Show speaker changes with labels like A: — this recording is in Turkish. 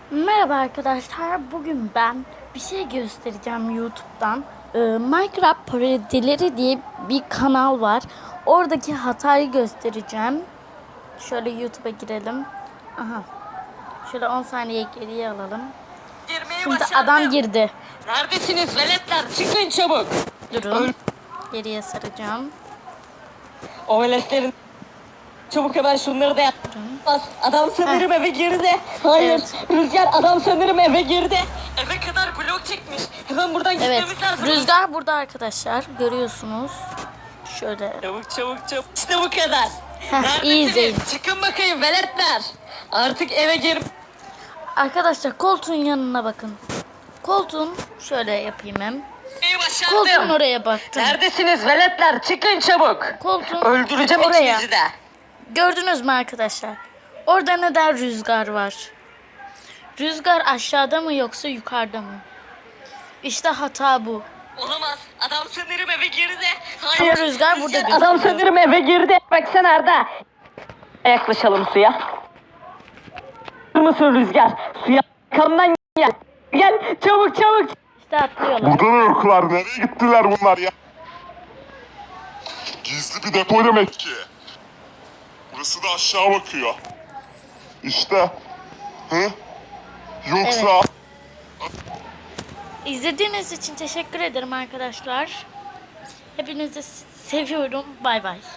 A: Merhaba arkadaşlar. Bugün ben bir şey göstereceğim YouTube'dan. Minecraft parodileri diye bir kanal var. Oradaki hatayı göstereceğim. Şöyle YouTube'a girelim. Aha. Şöyle 10 saniye geriye alalım.
B: Girmeyi
A: Şimdi
B: başardım.
A: adam girdi.
B: Neredesiniz veletler? Çıkın çabuk.
A: Durun. Geriye saracağım.
B: O veletlerin... Çabuk hemen şunları da yap. Bas, adam sanırım eve girdi. Hayır.
A: Evet.
B: Rüzgar adam sanırım eve girdi. Eve kadar blok çekmiş. Hemen buradan
A: Evet.
B: gitmemiz lazım.
A: Rüzgar burada arkadaşlar. Görüyorsunuz. Şöyle.
B: Çabuk çabuk çabuk. İşte bu kadar.
A: iyi izleyin.
B: Neredesiniz? Çıkın bakayım veletler. Artık eve gir.
A: Arkadaşlar koltuğun yanına bakın. Koltuğun şöyle yapayım hem.
B: Girmeyi başardım.
A: Koltuğun oraya baktım.
B: Neredesiniz veletler? Çıkın çabuk.
A: Koltuğun
B: Öldüreceğim
A: oraya.
B: ikinizi de.
A: Gördünüz mü arkadaşlar? Orada neden rüzgar var? Rüzgar aşağıda mı yoksa yukarıda mı? İşte hata bu.
B: Olamaz. Adam sanırım eve girdi.
A: Ama rüzgar burada gözüküyor.
B: Adam sanırım eve girdi. Baksana Arda. Yaklaşalım suya. Hazır mısın Rüzgar? Suya arkamdan gel. Gel çabuk çabuk.
A: İşte atlıyorlar.
C: Burada da yoklar. Nereye gittiler bunlar ya? Gizli bir depo demek ki. Burası da aşağı bakıyor. İşte. Hı? Yoksa...
A: Evet. İzlediğiniz için teşekkür ederim arkadaşlar. Hepinizi seviyorum. Bay bay.